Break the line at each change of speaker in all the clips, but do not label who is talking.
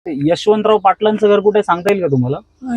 यशवंतराव पाटलांचं घर कुठे सांगता येईल का तुम्हाला?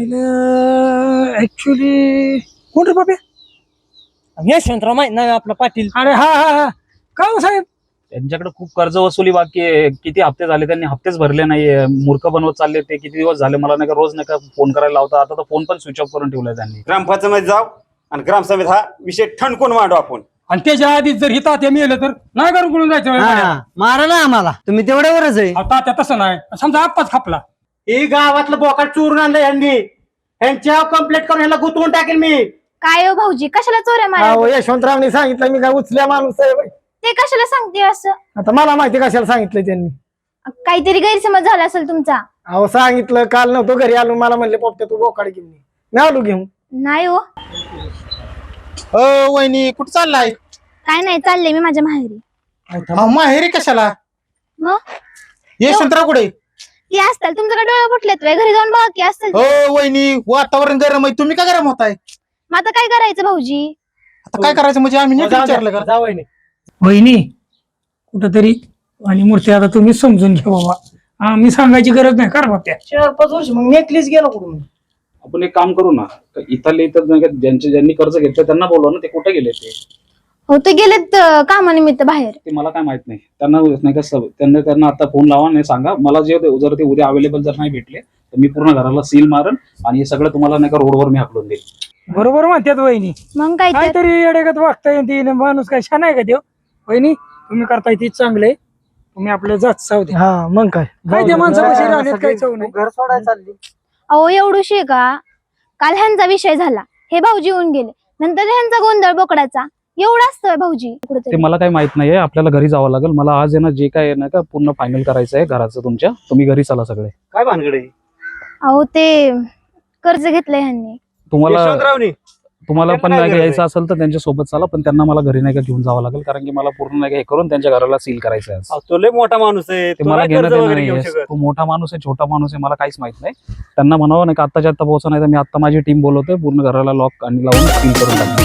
ऍक्च्युली कोण रे बाबे?
यशवंतराव माहित नाही आपला पाटील.
अरे हा हा हा काय हो साहेब?
त्यांच्याकडे खूप कर्ज वसुली बाकी आहे. किती हप्ते झाले त्यांनी हप्तेच भरले नाहीये. मूर्ख बनवत चालले ते. किती दिवस झाले मला नाही का रोज नाही का फोन करायला लावता. आता तर फोन पण स्विच ऑफ करून ठेवलाय त्यांनी.
ग्रामपंचायत जाऊ आणि ग्रामसभेत हा विषय ठणकून मांडू आपण.
आणि त्याच्या आधीच जर हिता ते मेलं तर नाही करून कुठून जायचं?
मारा ना आम्हाला, तुम्ही तेवढ्यावरच आहे.
तात्या तसं नाही. समजा आप्पाच खापला.
हे गावातलं बोकाड चोरून आणलं यांनी. यांच्या कंप्लेंट करून ह्याला गुतवून टाकेल मी.
काय हो भाऊजी, कशाला चोऱ्या मारा?
यशवंतरावनी सांगितलं मी काय उचल्या माणूस आहे बाई.
ते कशाला सांगते असं?
आता मला माहिती कशाला सांगितलं त्यांनी.
काहीतरी गैरसमज झाला असेल तुमचा.
अहो सांगितलं, काल नव्हतो घरी आलो, मला म्हणले पोपट्या तू बोकाड घेऊन ये. मी आलो घेऊन.
नाही हो,
वहिनी कुठं चाललाय?
काय नाही, चालले मी माझ्या माहेरी.
माहेरी कशाला?
मग
यशवंतराव कुठे?
ती असतात तुमच्याकडे डोळे फुटलेत व्हय? घरी जाऊन बघा की असतील.
हो वहिनी, वातावरण गरम आहे, तुम्ही का गरम होताय?
मग आता काय करायचं भाऊजी?
आता काय करायचं म्हणजे आम्ही नीट विचारलं का?
जा वहिनी.
वहिनी कुठंतरी आणि मूर्ती आता तुम्ही समजून घ्या बाबा. आम्ही सांगायची गरज नाही कर बाप्या.
4-5 वर्ष मग नेकलीच गेलो कुठून.
आपण एक काम करू ना, इथले इथं नाही का ज्यांनी कर्ज घेतलं त्यांना बोलवा ना. ते कुठे गेले ते?
हो, ते गेलेत कामानिमित्त बाहेर.
ते मला काय माहित नाही. त्यांना नाही का त्यांना आता फोन लावा नाही सांगा मला. जे जर ते उद्या अवेलेबल जर नाही भेटले तर मी पूर्ण घराला सील मारन आणि हे सगळं तुम्हाला नाही का रोडवर मी हाकलून देईल.
बरोबर म्हणतात वहिनी.
मग काय तर.
काहीतरी अडेगत वागता येते माणूस काय छान आहे का देव? वहिनी तुम्ही करताय ते चांगले. तुम्ही आपलं जात साव द्या.
हा मग काय
काय त्या माणसापाशी राहण्यात काही चव नाही.
घर सोडायला चालली.
अहो एवढूशी का? काल ह्यांचा विषय झाला, हे भाऊजी येऊन गेले, नंतर ह्यांचा गोंधळ बोकडाचा. एवढा असतोय भाऊजी
ते
कुठेतरी.
मला काही माहित नाहीये. आपल्याला घरी जावं लागेल. मला आज आहे ना जे काय आहे ना का पूर्ण फायनल करायचं आहे घराचं तुमच्या. तुम्ही घरी चला सगळे.
काय भानगड आहे?
अहो ते कर्ज घेतलंय ह्यांनी.
तुम्हाला पण नाही का यायचं असेल तर त्यांच्या सोबत चला. पण त्यांना मला घरी नाही का घेऊन जावं लागेल. कारण की मला पूर्ण नाही का हे करून त्यांच्या घराला सील करायचं आहे आज.
तो लय मोठा माणूस आहे.
ते मला घेणं देणं नाहीये. तो मोठा माणूस आहे छोटा माणूस आहे मला काहीच माहित नाही. त्यांना म्हणावं नाही का आत्ताच्या आत्ता पोहोचा नाही तर मी आता माझी टीम बोलवतोय. पूर्ण घराला लॉक आणि लावून सील करून टाकतो.